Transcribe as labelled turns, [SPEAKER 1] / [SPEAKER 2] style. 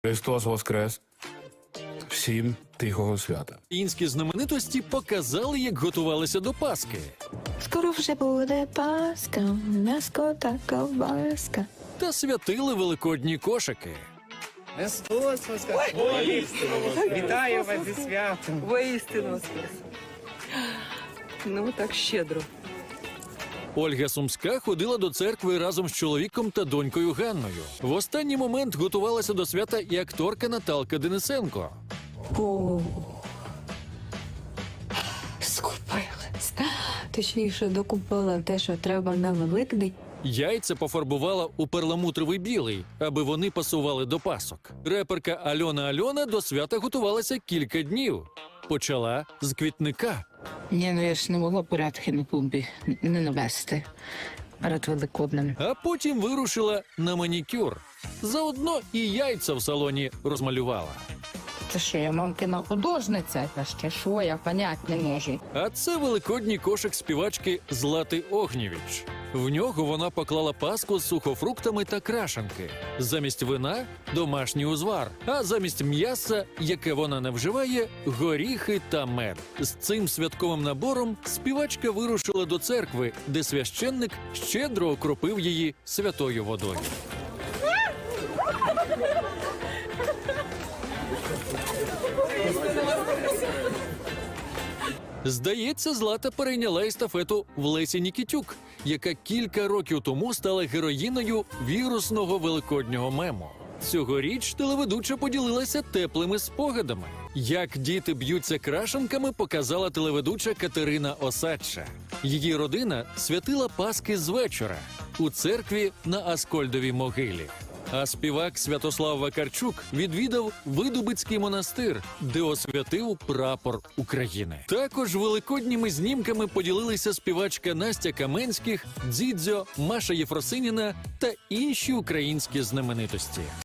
[SPEAKER 1] Христос Воскрес! Всім тихого свята!
[SPEAKER 2] Українські знаменитості показали, як готувалися до Пасхи.
[SPEAKER 3] Скоро вже буде Пасха, м'яско та ковбаска.
[SPEAKER 2] Та святили великодні кошики.
[SPEAKER 4] Христос Воскрес! Вітаю вас зі святом!
[SPEAKER 5] Воістину воскрес. Ну, так щедро.
[SPEAKER 2] Ольга Сумська ходила до церкви разом з чоловіком та донькою Ганною. В останній момент готувалася до свята і акторка Наталка Денисенко.
[SPEAKER 3] Скупилась. Точніше, докупила те, що треба на Великдень.
[SPEAKER 2] Яйця пофарбувала у перламутровий білий, аби вони пасували до пасок. Реперка Альона до свята готувалася кілька днів. Почала з квітника.
[SPEAKER 6] Ні, ну я ж не могла порядки на клумбі не навести перед Великоднем.
[SPEAKER 2] А потім вирушила на манікюр. Заодно і яйця в салоні розмалювала.
[SPEAKER 6] Це що, я мамкина художниця? Та ще що, я понять не можу.
[SPEAKER 2] А це великодній кошик співачки Злати Огнєвіч. В нього вона поклала паску з сухофруктами та крашанки. Замість вина – домашній узвар, а замість м'яса, яке вона не вживає – горіхи та мед. З цим святковим набором співачка вирушила до церкви, де священник щедро окропив її святою водою. Здається, Злата перейняла естафету в Лесі Нікітюк, яка кілька років тому стала героїною вірусного великоднього мему. Цьогоріч телеведуча поділилася теплими спогадами. Як діти б'ються крашенками, показала телеведуча Катерина Осадча. Її родина святила Пасхи з вечора у церкві на Аскольдовій могилі. А співак Святослав Вакарчук відвідав Видубицький монастир, де освятив прапор України. Також великодніми знімками поділилися співачка Настя Каменських, Дзідзьо, Маша Єфросиніна та інші українські знаменитості.